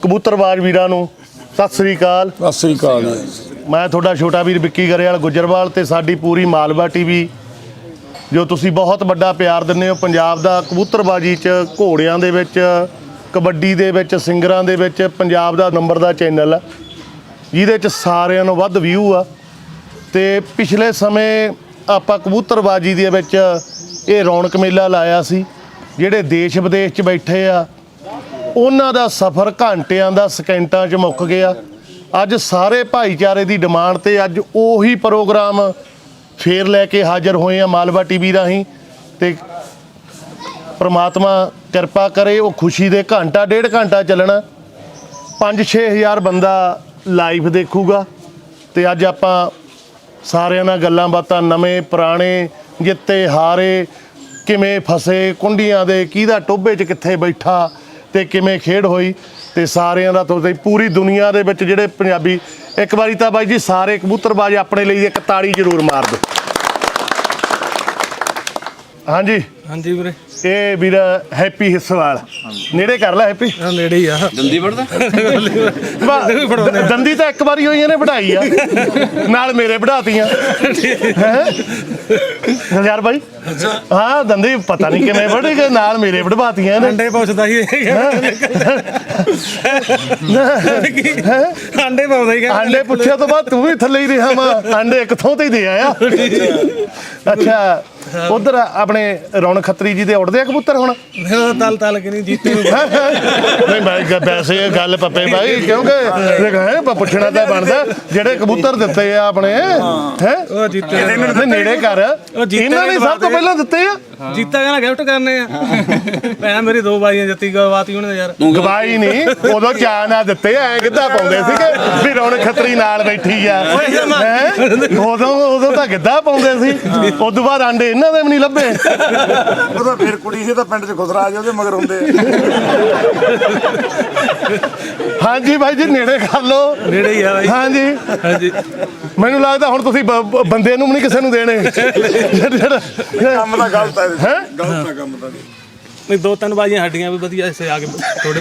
ਕਬੂਤਰਬਾਜ਼ ਵੀਰਾਂ ਨੂੰ ਸਤਿ ਸ੍ਰੀ ਅਕਾਲ। ਸਤਿ ਸ੍ਰੀ ਅਕਾਲ। ਮੈਂ ਤੁਹਾਡਾ ਛੋਟਾ ਵੀਰ ਵਿੱਕੀ ਗਰੇਵਾਲ ਗੁੱਜਰਵਾਲ ਤੇ ਸਾਡੀ ਪੂਰੀ ਮਾਲਵਾ ਟੀਵੀ ਜੋ ਤੁਸੀਂ ਬਹੁਤ ਵੱਡਾ ਪਿਆਰ ਦਿੰਦੇ ਹੋ ਪੰਜਾਬ ਦਾ ਕਬੂਤਰਬਾਜ਼ੀ 'ਚ, ਘੋੜਿਆਂ ਦੇ ਵਿੱਚ, ਕਬੱਡੀ ਦੇ ਵਿੱਚ, ਸਿੰਗਰਾਂ ਦੇ ਵਿੱਚ ਪੰਜਾਬ ਦਾ ਨੰਬਰ ਦਾ ਚੈਨਲ ਆ ਜਿਹਦੇ 'ਚ ਸਾਰਿਆਂ ਨੂੰ ਵੱਧ ਵਿਊ ਆ। ਤੇ ਪਿਛਲੇ ਸਮੇਂ ਆਪਾਂ ਕਬੂਤਰਬਾਜ਼ੀ ਦੇ ਵਿੱਚ ਇਹ ਰੌਣਕ ਮੇਲਾ ਲਾਇਆ ਸੀ। ਜਿਹੜੇ ਦੇਸ਼ ਵਿਦੇਸ਼ 'ਚ ਬੈਠੇ ਆ ਉਹਨਾਂ ਦਾ ਸਫ਼ਰ ਘੰਟਿਆਂ ਦਾ ਸਕਿੰਟਾਂ 'ਚ ਮੁੱਕ ਗਿਆ। ਅੱਜ ਸਾਰੇ ਭਾਈਚਾਰੇ ਦੀ ਡਿਮਾਂਡ ਤੇ ਅੱਜ ਉਹੀ ਪ੍ਰੋਗਰਾਮ ਫੇਰ ਲੈ ਕੇ ਹਾਜ਼ਰ ਹੋਏ ਆ ਮਾਲਵਾ ਟੀਵੀ ਰਾਹੀਂ। ਤੇ ਪ੍ਰਮਾਤਮਾ ਕਿਰਪਾ ਕਰੇ ਉਹ ਖੁਸ਼ੀ ਦੇ ਘੰਟਾ ਡੇਢ ਘੰਟਾ ਚੱਲਣਾ, 5-6 ਹਜ਼ਾਰ ਬੰਦਾ ਲਾਈਵ ਦੇਖੂਗਾ। ਤੇ ਅੱਜ ਆਪਾਂ ਸਾਰਿਆਂ ਨਾਲ ਗੱਲਾਂ ਬਾਤਾਂ, ਨਵੇਂ ਪੁਰਾਣੇ, ਜਿੱਤੇ ਹਾਰੇ, ਕਿਵੇਂ ਫਸੇ ਕੁੰਡੀਆਂ ਦੇ, ਕਿਹਦਾ ਟੋਭੇ 'ਚ ਕਿੱਥੇ ਬੈਠਾ ਤੇ ਕਿਵੇਂ ਖੇਡ ਹੋਈ, ਤੇ ਸਾਰਿਆਂ ਦਾ ਤੁਸੀਂ ਪੂਰੀ ਦੁਨੀਆ ਦੇ ਵਿੱਚ ਜਿਹੜੇ ਪੰਜਾਬੀ, ਇੱਕ ਵਾਰੀ ਤਾਂ ਬਾਈ ਜੀ ਸਾਰੇ ਕਬੂਤਰਬਾਜ਼ ਆਪਣੇ ਲਈ ਇੱਕ ਤਾੜੀ ਜ਼ਰੂਰ ਮਾਰ ਦਿਓ। ਹਾਂਜੀ ਹਾਂਜੀ ਵੀਰੇ, ਇਹ ਵੀਰ ਹੈਪੀ ਹਿੱਸਵਾਲ, ਨੇੜੇ ਕਰ ਲੈ ਹੈਪੀ। ਨੇੜੇ ਹੀ ਆ। ਦੰਦੀ ਵੜਦਾ ਦੰਦੀ ਤਾਂ ਇੱਕ ਵਾਰੀ ਹੋਈ ਇਹਨੇ ਵਢਾਈ ਆ, ਨਾਲ ਮੇਰੇ ਵਢਾਤੀਆਂ ਯਾਰ ਬਾਈ। ਹਾਂ ਦੰਦੀ ਪਤਾ ਨਹੀਂ ਕਿਵੇਂ ਵਢੀ ਗਏ, ਨਾਲ ਮੇਰੇ ਵਢਵਾਤੀਆਂ ਇਹਨੇ। ਅੰਡੇ ਪੁੱਛਦਾ ਸੀ ਅੰਡੇ ਪਾਉਂਦਾ ਹੀ। ਆਂਡੇ ਪੁੱਛਿਆ ਤੋਂ ਬਾਅਦ ਤੂੰ ਵੀ ਥੱਲੇ ਹੀ ਰਿਹਾ ਵਾ, ਆਂਡੇ ਇੱਕ ਥਾਂ ਤੇ ਹੀ ਦੇ ਆਇਆ। ਅੱਛਾ ਉਧਰ ਆਪਣੇ ਰੌਣਕ ਖੱਤਰੀ ਜੀ ਦੇ ਉੱਡਦੇ ਆ ਕਬੂਤਰ ਹੁਣ? ਤਲ ਤਲ ਕੇ ਨਹੀਂ ਜੀਤੇ ਨਹੀਂ ਭਾਈ ਵੈਸੇ ਇਹ ਗੱਲ ਪੱਪੇ ਭਾਈ, ਕਿਉਂਕਿ ਪੁੱਛਣਾ ਤਾਂ ਬਣਦਾ ਜਿਹੜੇ ਕਬੂਤਰ ਦਿੱਤੇ ਆ ਆਪਣੇ ਹੈ ਉਹ ਜੀਤੇ ਨੇੜੇ ਕਰ, ਇਹਨਾਂ ਨੇ ਸਭ ਤੋਂ ਪਹਿਲਾਂ ਦਿੱਤੇ ਆ। ਜੀਤਾ ਕਹਿੰਦਾ ਗਿਫਟ ਕਰਨੇ ਆ। ਭੈਣ ਮੇਰੀ 2 ਬਾਈਆਂ ਜੱਤੀ ਗਵਾਤੀ ਉਹਨੇ ਯਾਰ। ਗਵਾਈ ਨਹੀਂ, ਉਦੋਂ ਚਾਅ ਨਾਲ ਦਿੱਤੇ ਐ ਕਿੱਦਾਂ ਪਾਉਂਦੇ ਸੀਗੇ ਵੀ ਰੌਣਕ ਖੱਤਰੀ ਨਾਲ ਬੈਠੀ ਆ। ਉਦੋਂ ਤਾਂ ਗਿੱਧਾ ਪਾਉਂਦੇ ਸੀ, ਉਦੋਂ ਬਾਅਦ ਆਂਡੇ ਇਹਨਾਂ ਦੇ ਵੀ ਨਹੀਂ ਲੱਭੇ। ਉਹ ਤਾਂ ਫਿਰ ਕੁੜੀ ਸੀ ਤਾਂ ਪਿੰਡ 'ਚ ਖੁਸਰਾ ਆ ਉਹਦੇ ਮਗਰ ਹੁੰਦੇ। ਹਾਂਜੀ ਬਾਈ ਜੀ ਨੇੜੇ ਕਰ ਲਓ। ਨੇੜੇ ਹੀ ਆ ਬਾਈ। ਹਾਂਜੀ ਹਾਂਜੀ ਮੈਨੂੰ ਲੱਗਦਾ ਹੁਣ ਤੁਸੀਂ ਬੰਦੇ ਨੂੰ ਵੀ ਨਹੀਂ ਕਿਸੇ ਨੂੰ ਦੇਣੇ। ਕੰਮ ਤਾਂ ਗਲਤ ਹੈ। ਹੈਂ? ਗਲਤ ਹੈ ਕੰਮ ਤਾਂ। ਨਹੀਂ 2-3 ਬਾਈਆਂ ਹੱਡੀਆਂ ਵੀ ਵਧੀਆ ਇਸੇ ਆ ਕੇ ਥੋੜੇ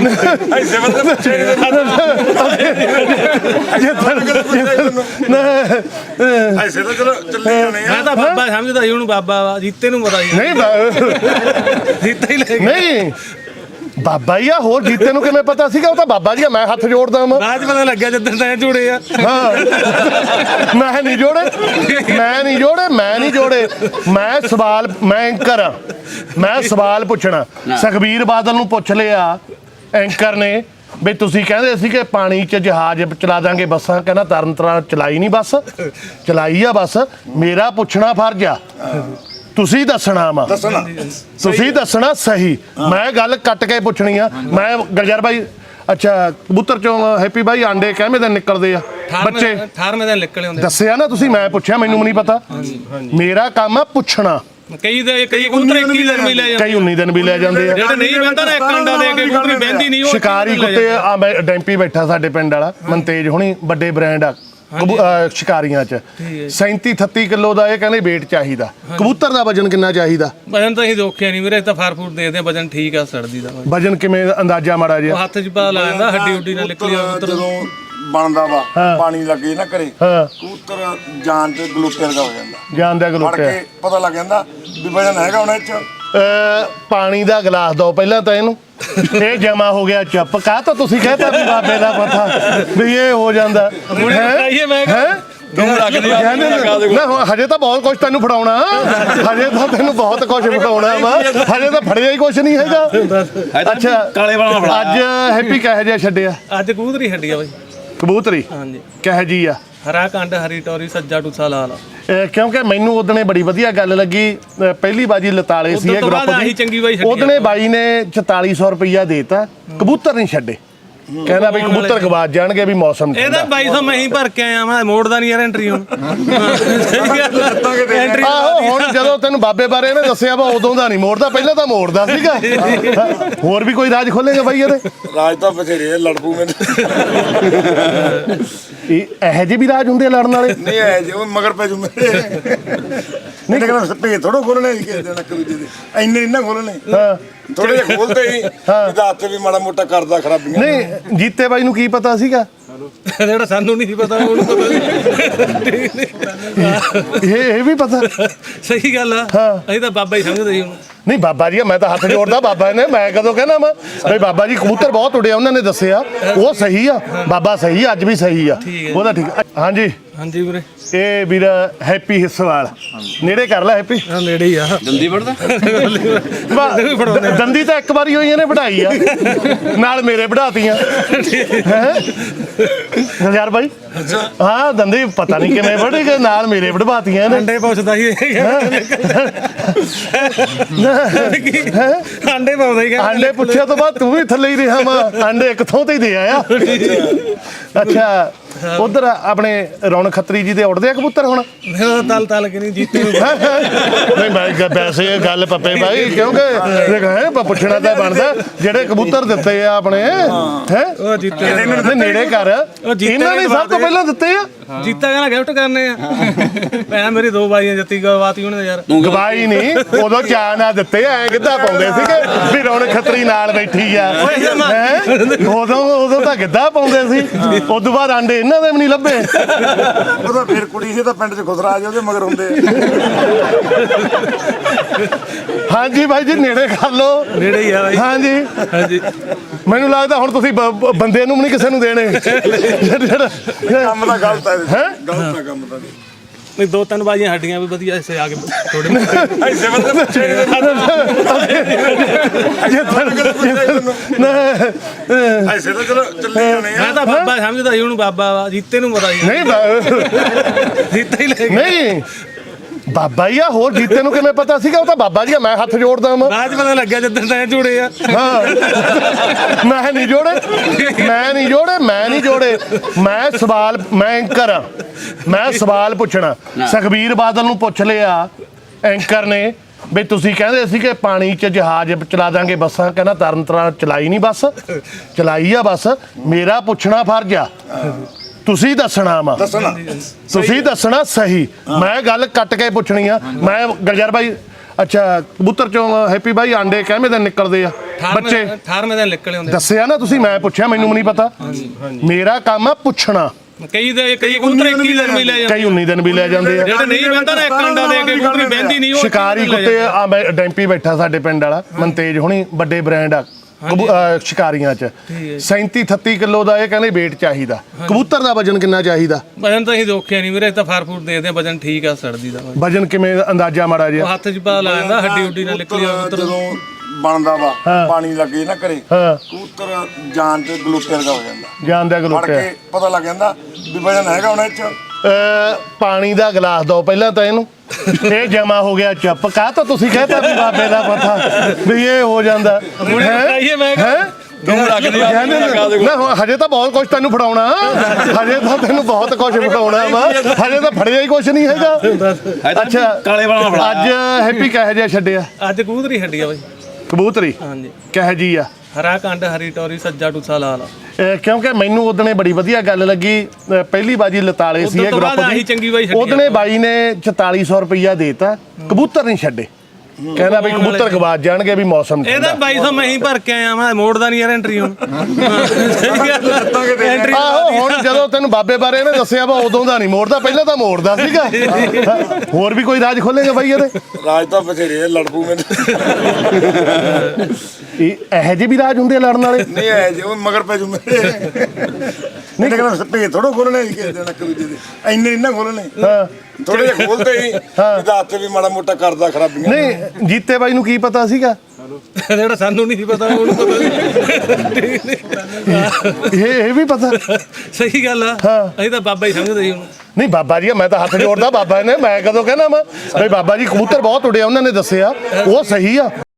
ਐਸੇ ਤਾਂ ਚਲੋ ਚੱਲੇ ਜਾਣੇ ਆ। ਮੈਂ ਤਾਂ ਬਾਬਾ ਸਮਝਦਾ ਸੀ ਉਹਨੂੰ, ਬਾਬਾ ਵਾ। ਜੀਤੇ ਨੂੰ ਪਤਾ ਸੀ ਨਹੀਂ ਜੀਤਾ ਹੀ ਲੈ ਗਿਆ। ਨਹੀਂ ਬਾਬਾ ਹੀ ਆ, ਹੋਰ ਜੀਤੇ ਨੂੰ ਕਿਵੇਂ ਪਤਾ ਸੀਗਾ? ਉਹ ਤਾਂ ਬਾਬਾ ਜੀ ਆ, ਮੈਂ ਹੱਥ ਜੋੜਦਾ ਵਾਂ। ਬਾਅਦ 'ਚ ਪਤਾ ਲੱਗਿਆ ਜਦੋਂ ਤੈਂ ਜੁੜੇ ਆ। ਹਾਂ ਮੈਂ ਨਹੀਂ ਜੋੜੇ, ਮੈਂ ਨਹੀਂ ਜੋੜੇ। ਮੈਂ ਸਵਾਲ, ਮੈਂ ਐਂਕਰ ਆ, ਮੈਂ ਸਵਾਲ ਪੁੱਛਣਾ। ਸੁਖਬੀਰ ਬਾਦਲ ਨੂੰ ਪੁੱਛ ਲਿਆ ਐਂਕਰ ਨੇ ਵੀ ਤੁਸੀਂ ਕਹਿੰਦੇ ਸੀ ਕਿ ਪਾਣੀ 'ਚ ਜਹਾਜ਼ ਚਲਾ ਦਾਂਗੇ, ਬੱਸਾਂ, ਕਹਿੰਦਾ ਤਰਨ ਤਾਰਨ ਚਲਾਈ ਨਹੀਂ ਬੱਸ, ਚਲਾਈ ਆ ਬੱਸ। ਮੇਰਾ ਪੁੱਛਣਾ ਫਰਜ਼ ਆ, ਤੁਸੀਂ ਦੱਸਣਾ ਵਾ, ਤੁਸੀਂ ਦੱਸਣਾ ਸਹੀ। ਮੈਂ ਗੱਲ ਕੱਟ ਕੇ ਪੁੱਛਣੀ ਆ। ਮੈਂ ਗਲਜਰ ਬਾਈ, ਅੱਛਾ ਕਬੂਤਰ ਚੋਂ ਹੈਪੀ ਬਾਈ ਆਂਡੇ ਕਿਵੇਂ ਦਿਨ ਨਿਕਲਦੇ ਆ ਬੱਚੇ? 18ਵੇਂ ਦਿਨ ਨਿਕਲੇ ਹੁੰਦੇ। ਦੱਸਿਆ ਨਾ ਤੁਸੀਂ, ਮੈਂ ਪੁੱਛਿਆ, ਮੈਨੂੰ ਨਹੀਂ ਪਤਾ। ਮੇਰਾ ਕੰਮ ਆ ਪੁੱਛਣਾ। ਕਈ ਕਬੂਤਰ 21 ਦਿਨ ਵੀ ਲੈ ਜਾਂਦੇ, ਕਈ 19 ਦਿਨ ਵੀ ਲੈ ਜਾਂਦੇ ਆ। ਜਿਹੜੇ ਨਹੀਂ ਬਹਿੰਦਾ ਨਾ ਇੱਕ ਅੰਡਾ ਦੇ ਕੇ ਕਬੂਤਰੀ ਬਹਿੰਦੀ ਨਹੀਂ। ਉਹ ਸ਼ਿਕਾਰੀ ਕੁੱਤੇ ਆ, ਮੈਂ ਡੈਂਪੀ ਬੈਠਾ ਸਾਡੇ ਪਿੰਡ ਵਾਲਾ ਮਨਤੇਜ ਹੁਣੀ, ਵੱਡੇ ਬ੍ਰਾਂਡ ਆ ਸ਼ਿਕਾਰੀਆਂ 'ਚ। 37-38 ਕਿਲੋ ਦਾ ਇਹ ਕਹਿੰਦੇ weight ਚਾਹੀਦਾ। ਕਬੂਤਰ ਦਾ ਵਜਨ ਕਿੰਨਾ ਚਾਹੀਦਾ? ਵਜਨ ਤਾਂ ਅਸੀਂ ਦੇਖਿਆ ਨਹੀਂ ਵੀਰੇ, ਤਾਂ ਫਾਰ ਫੂਡ ਦੇਖਦੇ ਆ। ਵਜਨ ਠੀਕ ਆ ਸੜਦੀ ਦਾ। ਵਜਨ ਕਿਵੇਂ ਅੰਦਾਜ਼ਾ ਮਾੜਾ ਜਿਹਾ? ਹੱਥ 'ਚ ਪਾ ਲਾ ਜਾਂਦਾ, ਹੱਡੀ ਹੁੱਡੀ ਨਾਲ ਨਿਕਲੀ ਆ ਕਬੂਤਰ। ਜਦੋਂ ਬਣਦਾ ਵਾ ਪਾਣੀ ਲੱਗੇ ਨਾ ਘਰੇ, ਕਬੂਤਰ ਜਾਨ ਤੇ ਗਲੂਟੇ ਵਰਗਾ ਹੋ ਜਾਂਦਾ। ਜਾਨ ਦਾ ਫੜ ਗਲੂਟੇ ਕੇ ਪਤਾ ਲੱਗ ਜਾਂਦਾ ਵੀ ਵਜਨ ਹੈਗਾ ਹੁਣ ਇਹ 'ਚ। ਪਾਣੀ ਦਾ ਗਲਾਸ ਦਿਓ ਪਹਿਲਾਂ ਤਾਂ ਇਹਨੂੰ। ਇਹ ਜਮਾ ਹੋ ਗਿਆ ਚੁੱਪ। ਕਾਹ ਤਾਂ ਤੁਸੀਂ ਕਹਿਤਾ ਵੀ ਬਾਬੇ ਦਾ ਪਤਾ ਵੀ ਇਹ ਹੋ ਜਾਂਦਾ ਹੈ। ਹਜੇ ਤਾਂ ਬਹੁਤ ਕੁਛ ਤੈਨੂੰ ਫੜਾਉਣਾ, ਹਜੇ ਤਾਂ ਤੈਨੂੰ ਬਹੁਤ ਕੁਛ ਫੜਾਉਣਾ ਵਾ, ਹਜੇ ਤਾਂ ਫੜਿਆ ਹੀ ਕੁਛ ਨਹੀਂ ਹੈਗਾ। ਅੱਛਾ ਕਾਲੇ ਵਾਲਾ ਅੱਜ ਹੈਪੀ ਕਿਹੋ ਜਿਹਾ ਛੱਡਿਆ? ਅੱਜ ਕਬੂਤਰੀ ਹੱਡੀ ਆ ਬਾਈ। ਕਬੂਤਰੀ ਹਾਂਜੀ ਕਿਹੋ ਜੀ ਆ? ਹਰਾ ਕੰਡ, ਹਰੀ ਟੋਰੀ, ਸੱਜਾ ਟੂਸਾ ਲਾਲ। ਕਿਉਂਕਿ ਮੈਨੂੰ ਉਹਦਣੇ ਬੜੀ ਵਧੀਆ ਗੱਲ ਲੱਗੀ। ਪਹਿਲੀ ਬਾਜੀ ਲਤਾਲੇ ਸੀ ਇਹ ਗਰੁੱਪ ਦੀ, ਉਹਦਣੇ ਬਾਈ ਨੇ 4400 ਰੁਪਈਆ ਦੇਤਾ, ਕਬੂਤਰ ਨਹੀਂ ਛੱਡੇ। ਕਹਿੰਦਾ ਬਈ ਕਬੂਤਰ ਗਵਾਚ ਜਾਣਗੇ ਵੀ ਮੌਸਮ ਇਹਦਾ 2200 ਮੈਂ ਹੀ ਭਰ ਕੇ ਆਇਆ। ਮੈਂ ਮੋੜਦਾ ਨਹੀਂ ਯਾਰ ਐਂਟਰੀ ਹੁਣ। ਆਹੋ ਹੁਣ ਜਦੋਂ ਤੈਨੂੰ ਬਾਬੇ ਬਾਰੇ ਇਹਨੇ ਦੱਸਿਆ ਵਾ ਉਦੋਂ ਦਾ ਨਹੀਂ ਮੋੜਦਾ, ਪਹਿਲਾਂ ਤਾਂ ਮੋੜਦਾ ਸੀਗਾ। ਹੋਰ ਵੀ ਕੋਈ ਰਾਜ ਖੋਲੇਗਾ ਬਾਈ ਇਹਦੇ? ਰਾਜ ਤਾਂ ਬਥੇਰੇ ਲੜਪੂ ਮੈਨੂੰ। ਇਹੋ ਜਿਹੇ ਵੀ ਰਾਜ ਹੁੰਦੇ ਆ ਲੜਨ ਵਾਲੇ? ਨਹੀਂ ਇਹ ਜੇ ਉਹ ਮਗਰ ਪੈ ਜੂ ਮੇਰੇ। ਨਹੀਂ ਕਹਿੰਦਾ ਭੇਜ ਥੋੜੋ ਖੋਲਣੇ ਕਿਸੇ ਦੇ ਨੱਕ ਦੂਜੇ ਦੇ ਇੰਨੇ ਨਾ ਖੋਲਣੇ ਹਾਂ ਥੋੜੇ ਜਿਹਾ ਖੋਲਦੇ ਹੀ ਇਹਦਾ ਹੱਥ ਵੀ ਮਾੜਾ ਮੋਟਾ ਕਰਦਾ ਖਰਾਬੀਆਂ ਨਹੀਂ ਜੀਤੇ ਬਾਈ ਨੂੰ ਕੀ ਪਤਾ ਸੀਗਾ ਜਿਹੜਾ ਸਾਨੂੰ ਨਹੀਂ ਸੀ ਪਤਾ ਉਹਨੂੰ ਪਤਾ ਇਹ ਵੀ ਪਤਾ ਸਹੀ ਗੱਲ ਆ ਅਸੀਂ ਤਾਂ ਬਾਬਾ ਹੀ ਸਮਝਦੇ ਸੀ ਉਹਨੂੰ ਨਹੀਂ ਬਾਬਾ ਜੀ ਮੈਂ ਤਾਂ ਹੱਥ ਜੋੜਦਾ ਬਾਬਾ ਨੇ ਮੈਂ ਕਦੋਂ ਕਹਿਣਾ ਮੈਂ ਬਈ ਬਾਬਾ ਜੀ ਕਬੂਤਰ ਬਹੁਤ ਉੜਿਆ ਉਹਨਾਂ ਨੇ ਦੱਸਿਆ ਉਹ ਸਹੀ ਆ ਬਾਬਾ ਸਹੀ ਆ, ਅੱਜ ਵੀ ਸਹੀ ਆ ਉਹਦਾ ਠੀਕ ਆ। ਹਾਂਜੀ ਹਾਂਜੀ ਵੀਰੇ ਇਹ ਵੀਰ ਹੈਪੀ ਹਿੱਸਵਾਲ ਨੇੜੇ ਕਰ ਲੈ ਹੈਪੀ ਹਾਂ ਨੇੜੇ ਹੀ ਆ ਦੰਦੀ ਵੜਦਾ ਦੰਦੀ ਤਾਂ ਇੱਕ ਵਾਰੀ ਹੋਈ ਇਹਨੇ ਵਢਾਈ ਆ ਨਾਲ ਮੇਰੇ ਵਢਾਤੀਆਂ ਹੈ ਯਾਰ ਬਾਈ ਹਾਂ ਦੰਦੀ ਪਤਾ ਨਹੀਂ ਕਿਵੇਂ ਵਢੀ ਗਏ ਨਾਲ ਮੇਰੇ ਵਢਵਾਤੀਆਂ ਇਹਨੇ ਅੰਡੇ ਪੁੱਛਦਾ ਸੀ ਅੰਡੇ ਪਾਉਂਦਾ ਹੀ ਆਂਡੇ ਪੁੱਛਿਆ ਤੋਂ ਬਾਅਦ ਤੂੰ ਵੀ ਥੱਲੇ ਹੀ ਰਿਹਾ ਵਾ ਆਂਡੇ ਇੱਕ ਥਾਂ ਤੇ ਹੀ ਦੇ ਆਇਆ ਅੱਛਾ ਉਧਰ ਆਪਣੇ ਰੌਣਕ ਖੱਤਰੀ ਜੀ ਦੇ ਉੱਡਦੇ ਆ ਕਬੂਤਰ ਹੁਣ ਮੇਰਾ ਤਲ ਤਲ ਕੇ ਨਹੀਂ ਜੀਤੇ ਨੂੰ ਨਹੀਂ ਮੈਂ ਵੈਸੇ ਇਹ ਗੱਲ ਪੱਪੇ ਭਾਈ ਕਿਉਂਕਿ ਹੈ ਪੁੱਛਣਾ ਤਾਂ ਬਣਦਾ ਜਿਹੜੇ ਕਬੂਤਰ ਦਿੱਤੇ ਆ ਆਪਣੇ ਹੈ ਉਹ ਜੀਤੇ ਦੇ ਨੇੜੇ ਕਰ ਇਹਨਾਂ ਨੇ ਸਭ ਤੋਂ ਪਹਿਲਾਂ ਦਿੱਤੇ ਆ ਜੀਤਾ ਕਹਿੰਦਾ ਗਿਫਟ ਕਰਨੇ ਆ ਭੈਣ ਮੇਰੀ ਦੋ ਬਾਈਆਂ ਜੱਤੀ ਗਵਾਤੀ ਉਹਨੇ ਯਾਰ ਗਵਾਈ ਨਹੀਂ ਉਦੋਂ ਚਾਹ ਨਾ ਦਿੱਤੇ ਐ ਕਿੱਦਾਂ ਪਾਉਂਦੇ ਸੀਗੇ ਵੀ ਰੌਣਕ ਖੱਤਰੀ ਨਾਲ ਬੈਠੀ ਆ ਉਦੋਂ ਤਾਂ ਕਿੱਦਾਂ ਪਾਉਂਦੇ ਸੀ ਉਦੋਂ ਬਾਅਦ ਆਂਡੇ ਇਹਨਾਂ ਦੇ ਵੀ ਨਹੀਂ ਲੱਭੇ ਉਹਦਾ ਫੇਰ ਕੁੜੀ ਸੀ ਤਾਂ ਪਿੰਡ 'ਚ ਖੁਸਰਾ ਆ ਜਾ ਉਹਦੇ ਮਗਰ ਹੁੰਦੇ ਹਾਂਜੀ ਭਾਈ ਜੀ ਨੇੜੇ ਕਰ ਲਓ ਨੇੜੇ ਹੀ ਆ ਬਾਈ ਹਾਂਜੀ ਹਾਂਜੀ ਮੈਨੂੰ ਲੱਗਦਾ ਹੁਣ ਤੁਸੀਂ ਬੰਦੇ ਨੂੰ ਵੀ ਨਹੀਂ ਕਿਸੇ ਨੂੰ ਦੇਣੇ ਕੰਮ ਤਾਂ ਗਲਤ ਹੈ ਹੈਂ? ਗਲਤ ਹੈ ਕੰਮ ਤਾਂ ਨਹੀਂ ਦੋ ਤਿੰਨ ਬਾਈਆਂ ਹੱਡੀਆਂ ਵੀ ਵਧੀਆ ਇਸੇ ਆ ਕੇ ਥੋੜੇ ਐਸੇ ਬੰਦੇ ਐਸੇ ਤਾਂ ਚਲੋ ਚੱਲੇ ਜਾਣੇ ਆ ਮੈਂ ਤਾਂ ਬਾਬਾ ਸਮਝਦਾ ਸੀ ਉਹਨੂੰ ਬਾਬਾ ਵਾ ਜੀਤੇ ਨੂੰ ਪਤਾ ਸੀ ਨਹੀਂ ਜੀਤਾ ਹੀ ਲੈ ਗਿਆ ਨਹੀਂ ਬਾਬਾ ਹੀ ਆ ਹੋਰ ਜੀਤੇ ਨੂੰ ਕਿਵੇਂ ਪਤਾ ਸੀਗਾ ਉਹ ਤਾਂ ਬਾਬਾ ਜੀ ਆ ਮੈਂ ਹੱਥ ਜੋੜਦਾ ਮੈਂ ਬਾਅਦ ਚ ਪਤਾ ਲੱਗਿਆ ਜਦੋਂ ਤੈਂ ਜੁੜੇ ਆ ਹਾਂ ਮੈਂ ਨਹੀਂ ਜੋੜੇ ਮੈਂ ਸਵਾਲ ਮੈਂ ਐਂਕਰ ਆ ਮੈਂ ਸਵਾਲ ਪੁੱਛਣਾ ਸੁਖਬੀਰ ਬਾਦਲ ਨੂੰ ਪੁੱਛ ਲਿਆ ਐਂਕਰ ਨੇ ਵੀ ਤੁਸੀਂ ਕਹਿੰਦੇ ਸੀ ਕਿ ਪਾਣੀ 'ਚ ਜਹਾਜ਼ ਚਲਾ ਦਾਂਗੇ ਬੱਸਾਂ ਕਹਿੰਦਾ ਤਰਨ ਤਾਰਨ ਚਲਾਈ ਨਹੀਂ ਬੱਸ ਚਲਾਈ ਆ ਬੱਸ ਮੇਰਾ ਪੁੱਛਣਾ ਫਰਜ਼ ਆ ਤੁਸੀਂ ਦੱਸਣਾ ਵਾ ਤੁਸੀਂ ਦੱਸਣਾ ਸਹੀ ਮੈਂ ਗੱਲ ਕੱਟ ਕੇ ਪੁੱਛਣੀ ਆ ਮੈਂ ਗਲਜਰ ਬਾਈ ਅੱਛਾ ਕਬੂਤਰ ਚੋਂ ਹੈਪੀ ਬਾਈ ਆਂਡੇ ਕਿਵੇਂ ਦਿਨ ਨਿਕਲਦੇ ਆ ਬੱਚੇ 18ਵੇਂ ਦਿਨ ਨਿਕਲੇ ਹੁੰਦੇ ਦੱਸਿਆ ਨਾ ਤੁਸੀਂ ਮੈਂ ਪੁੱਛਿਆ ਮੈਨੂੰ ਨਹੀਂ ਪਤਾ ਮੇਰਾ ਕੰਮ ਆ ਪੁੱਛਣਾ ਕਈ ਕਬੂਤਰ 21 ਦਿਨ ਵੀ ਲੈ ਜਾਂਦੇ ਕਈ 19 ਦਿਨ ਵੀ ਲੈ ਜਾਂਦੇ ਆ ਜਿਹੜੇ ਨਹੀਂ ਬੰਦਾ ਨਾ ਇੱਕ ਅੰਡਾ ਦੇ ਕੇ ਕਬੂਤਰੀ ਬਹਿੰਦੀ ਨਹੀਂ ਉਹ ਸ਼ਿਕਾਰੀ ਕੁੱਤੇ ਆ ਮੈਂ ਡੈਂਪੀ ਬੈਠਾ ਸਾਡੇ ਪਿੰਡ ਵਾਲਾ ਮਨਤੇਜ ਹੁਣੀ ਵੱਡੇ ਬ੍ਰਾਂਡ ਆ ਸ਼ਿਕਾਰੀਆਂ ਚ 37 38 ਕਿਲੋ ਦਾ ਇਹ ਕਹਿੰਦੇ weight ਚਾਹੀਦਾ ਕਬੂਤਰ ਦਾ ਵਜਨ ਕਿੰਨਾ ਚਾਹੀਦਾ ਵਜਨ ਤਾਂ ਅਸੀਂ ਦੇਖਿਆ ਨਹੀਂ ਵੀਰੇ ਤਾਂ ਫਾਰ ਫੂਡ ਦੇਖਦੇ ਆ ਵਜਨ ਠੀਕ ਆ ਸੜਦੀ ਦਾ ਵਜਨ ਕਿਵੇਂ ਅੰਦਾਜ਼ਾ ਮਾੜਾ ਜਿਹਾ ਹੱਥ 'ਚ ਪਾ ਲਾ ਜਾਂਦਾ ਹੱਡੀ ਉੱਡੀ ਨਾਲ ਨਿਕਲੀ ਜਦੋਂ ਬਣਦਾ ਵਾ ਪਾਣੀ ਲੱਗੇ ਨਾ ਘਰੇ ਕਬੂਤਰ ਜਾਨ ਤੇ ਗਲੂਕੋਜ਼ ਦਾ ਹੋ ਜਾਂਦਾ ਜਾਣਦਾ ਫੜ ਗਲੂਟੇ ਕੇ ਪਤਾ ਲੱਗ ਜਾਂਦਾ ਵੀ ਵਜਨ ਹੈਗਾ ਹੁਣ ਇਹ 'ਚ ਪਾਣੀ ਦਾ ਗਲਾਸ ਦਿਓ ਪਹਿਲਾਂ ਤਾਂ ਇਹਨੂੰ ਇਹ ਜਮਾ ਹੋ ਗਿਆ ਚੁੱਪ ਕਾਹ ਤਾਂ ਤੁਸੀਂ ਕਹਿੰਦਾ ਵੀ ਬਾਬੇ ਦਾ ਪਤਾ ਵੀ ਇਹ ਹੋ ਜਾਂਦਾ ਨਾ ਹਜੇ ਤਾਂ ਬਹੁਤ ਕੁਝ ਤੈਨੂੰ ਫੜਾਉਣਾ ਹਜੇ ਤਾਂ ਤੈਨੂੰ ਬਹੁਤ ਕੁਝ ਫੜਾਉਣਾ ਵਾ ਹਜੇ ਤਾਂ ਫੜਿਆ ਹੀ ਕੁਝ ਨਹੀਂ ਹੈਗਾ ਅੱਛਾ ਕਾਲੇ ਵਾਲਾ ਅੱਜ ਹੈਪੀ ਕਹੇ ਜਿਹਾ ਛੱਡਿਆ ਅੱਜ ਕਬੂਤਰੀ ਹੱਡੀ ਆ ਬਾਈ ਕਬੂਤਰੀ ਹਾਂਜੀ ਕਹੇ ਜੀ ਆ ਹਰਾ ਕੰਡ ਹਰੀ ਟੋਰੀ ਸੱਜਾ ਟੂਸਾ ਲਾਲ ਕਿਉਂਕਿ ਮੈਨੂੰ ਉਹਦਨੇ ਬੜੀ ਵਧੀਆ ਗੱਲ ਲੱਗੀ ਪਹਿਲੀ ਬਾਜੀ ਲਤਾਲੇ ਸੀ ਇਹ ਗਰੁੱਪ ਦੀ ਉਹਦਨੇ ਬਾਈ ਨੇ 4400 ਰੁਪਇਆ ਦੇਤਾ ਕਬੂਤਰ ਨਹੀਂ ਛੱਡੇ ਕਹਿੰਦਾ ਵੀ ਕਬੂਤਰ ਗਵਾਚ ਜਾਣਗੇ ਵੀ ਮੌਸਮ ਇਹਦਾ 2200 ਮੈਂ ਹੀ ਭਰ ਕੇ ਆਇਆ ਮੈਂ ਮੋੜਦਾ ਨਹੀਂ ਯਾਰ ਐਂਟਰੀ ਹੁਣ ਐਂਟਰੀ ਆਹੋ ਹੁਣ ਜਦੋਂ ਤੈਨੂੰ ਬਾਬੇ ਬਾਰੇ ਇਹਨੇ ਦੱਸਿਆ ਵਾ ਉਦੋਂ ਦਾ ਨਹੀਂ ਮੋੜਦਾ ਪਹਿਲਾਂ ਤਾਂ ਮੋੜਦਾ ਸੀਗਾ ਹੋਰ ਵੀ ਕੋਈ ਰਾਜ ਖੋਲੇਗਾ ਬਾਈ ਇਹਦੇ ਰਾਜ ਤਾਂ ਬਥੇਰੇ ਲੜਪੂ ਮੈਂ ਇਹੋ ਜਿਹੇ ਵੀ ਰਾਜ ਹੁੰਦੇ ਆ ਲੜਨ ਵਾਲੇ ਨਹੀਂ ਆਏ ਜੇ ਉਹ ਮਗਰ ਪੈ ਜੂ ਮੇਰੇ ਨਹੀਂ ਕਹਿੰਦਾ ਭੇਜ ਥੋੜੋ ਖੋਲਣੇ ਕਿਸੇ ਦੇ ਨੱਕ ਦੂਜੇ ਦੇ ਇੰਨੇ ਨਾ ਖੋਲਣੇ ਥੋੜੇ ਜਿਹਾ ਖੋਲਦੇ ਹੀ ਇਹਦਾ ਹੱਥ ਵੀ ਮਾੜਾ ਮੋਟਾ ਕਰਦਾ ਖਰਾਬੀਆਂ ਨਹੀਂ ਜੀਤੇ ਬਾਈ ਨੂੰ ਕੀ ਪਤਾ ਸੀਗਾ ਜਿਹੜਾ ਸਾਨੂੰ ਨਹੀਂ ਸੀ ਪਤਾ ਉਹਨੂੰ ਪਤਾ ਇਹ ਵੀ ਪਤਾ ਸਹੀ ਗੱਲ ਆ ਅਸੀਂ ਤਾਂ ਬਾਬਾ ਹੀ ਸਮਝਦੇ ਸੀ ਉਹਨੂੰ ਨਹੀਂ ਬਾਬਾ ਜੀ ਮੈਂ ਤਾਂ ਹੱਥ ਜੋੜਦਾ ਬਾਬਾ ਨੇ ਮੈਂ ਕਦੋਂ ਕਹਿਣਾ ਮੈਂ ਬਈ ਬਾਬਾ ਜੀ ਕਬੂਤਰ ਬਹੁਤ ਉੜਿਆ ਉਹਨਾਂ ਨੇ ਦੱਸਿਆ ਉਹ ਸਹੀ ਆ